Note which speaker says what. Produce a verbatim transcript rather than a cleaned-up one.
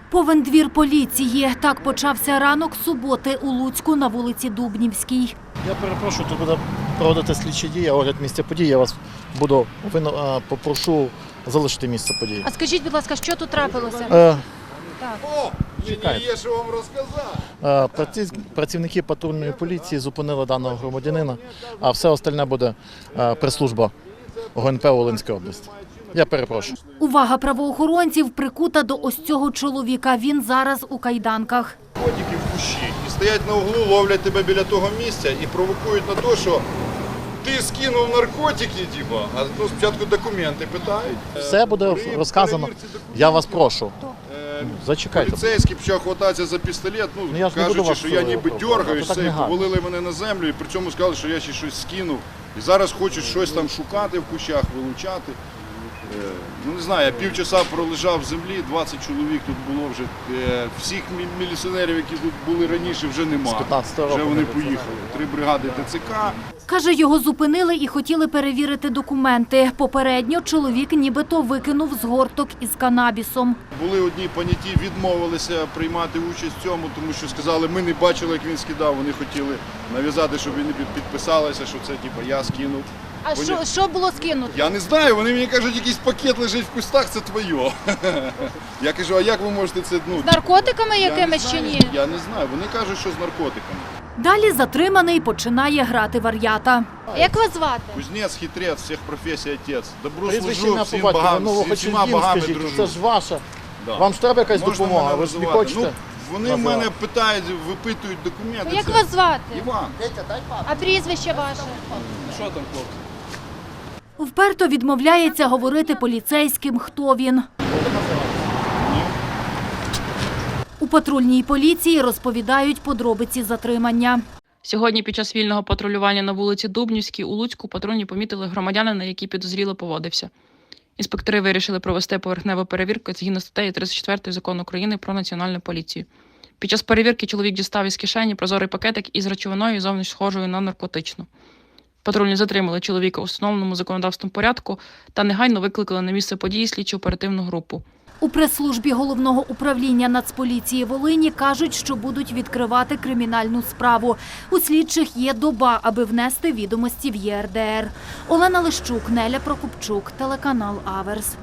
Speaker 1: Повен двір поліції. Так почався ранок суботи у Луцьку на вулиці Дубнівській.
Speaker 2: Я перепрошую, тут буде проводити слідчі дії, огляд місця події. Я вас буду повинно, попрошу залишити місце події.
Speaker 1: А скажіть, будь ласка, що тут трапилося?
Speaker 2: Е,
Speaker 3: О, мені є що вам розказати.
Speaker 2: е, праці- Працівники патрульної поліції зупинили даного громадянина, а все остальне буде е, прес-служба ГУНП Волинської області. Я перепрошую.
Speaker 1: Увага правоохоронців прикута до ось цього чоловіка. Він зараз у кайданках.
Speaker 3: Котики в кущі і стоять на углу, ловлять тебе біля того місця і провокують на те, що ти скинув наркотики, типу, а ну, спочатку документи питають.
Speaker 2: Все буде розказано. Я вас прошу.
Speaker 3: Е,
Speaker 2: Зачекайте.
Speaker 3: Поліцейський почав хвататися за пістолет, ну,
Speaker 2: Ну, я ж не буду
Speaker 3: кажучи,
Speaker 2: вас
Speaker 3: що я ніби
Speaker 2: провокувати,
Speaker 3: дергаюсь,
Speaker 2: так
Speaker 3: все,
Speaker 2: не
Speaker 3: і
Speaker 2: гарно.
Speaker 3: повалили мене на землю, і при цьому сказали, що я ще щось скинув. І зараз хочуть щось там шукати в кущах, вилучати. Е, Ну не знаю, я півчаса пролежав в землі, двадцять чоловік тут було вже. Е, Всіх мі- міліціонерів, які тут були раніше, вже нема.
Speaker 2: З п'ятнадцятого
Speaker 3: Вже
Speaker 2: року
Speaker 3: вони
Speaker 2: не було.
Speaker 3: поїхали. Три бригади ТЦК.
Speaker 1: Каже, його зупинили і хотіли перевірити документи. Попередньо чоловік нібито викинув згорток із канабісом.
Speaker 3: Були одні поняті, відмовилися приймати участь в цьому, тому що сказали, ми не бачили, як він скидав. Вони хотіли нав'язати, щоб вони під- підписалися, що це типу, я скинув.
Speaker 1: А
Speaker 3: що-
Speaker 1: що було скинуто?
Speaker 3: Я не знаю, вони мені кажуть, якийсь пакет лежить в кустах, це твоє. Я кажу, а як ви можете це, ну...
Speaker 1: З наркотиками
Speaker 3: я не
Speaker 1: якимись чи
Speaker 3: знаю,
Speaker 1: ні?
Speaker 3: Я не знаю, вони кажуть, що з наркотиками.
Speaker 1: Далі затриманий починає грати вар'ята. Як вас звати?
Speaker 3: Кузнець, хитрець, всіх професій отець. Добру
Speaker 2: Прізвище
Speaker 3: служу,
Speaker 2: ім'я,
Speaker 3: всім
Speaker 2: по батькові,
Speaker 3: богам,
Speaker 2: ну, ви
Speaker 3: всі-
Speaker 2: хоч
Speaker 3: всіма
Speaker 2: їм
Speaker 3: богами
Speaker 2: скажіть,
Speaker 3: дружу.
Speaker 2: це ж ваша.
Speaker 3: Да.
Speaker 2: Вам ж треба якась
Speaker 3: Можна
Speaker 2: допомога,
Speaker 3: мене
Speaker 2: ви ж не
Speaker 3: визивати?
Speaker 2: хочете?
Speaker 3: Ну, вони в
Speaker 2: називати?
Speaker 3: мене питають, випитують документи.
Speaker 1: Як
Speaker 3: це-
Speaker 1: вас звати?
Speaker 3: Іван.
Speaker 1: А прізвище ваше?
Speaker 3: Що там, хлопці?
Speaker 1: Вперто відмовляється говорити поліцейським, хто він. У патрульній поліції розповідають подробиці затримання.
Speaker 4: Сьогодні під час вільного патрулювання на вулиці Дубнівській у Луцьку патрульні помітили громадянина, який підозріло поводився. Інспектори вирішили провести поверхневу перевірку згідно статтею тридцять четвертої Закону України про Національну поліцію. Під час перевірки чоловік дістав із кишені прозорий пакетик із речовиною, зовні схожою на наркотичну. Патрульні затримали чоловіка у встановленому законодавством порядку та негайно викликали на місце події слідчо-оперативну групу.
Speaker 1: У прес-службі Головного управління Нацполіції Волині кажуть, що будуть відкривати кримінальну справу. У слідчих є доба, аби внести відомості в Є Ер Де Ер. Олена Лищук, Неля Прокопчук, телеканал Аверс.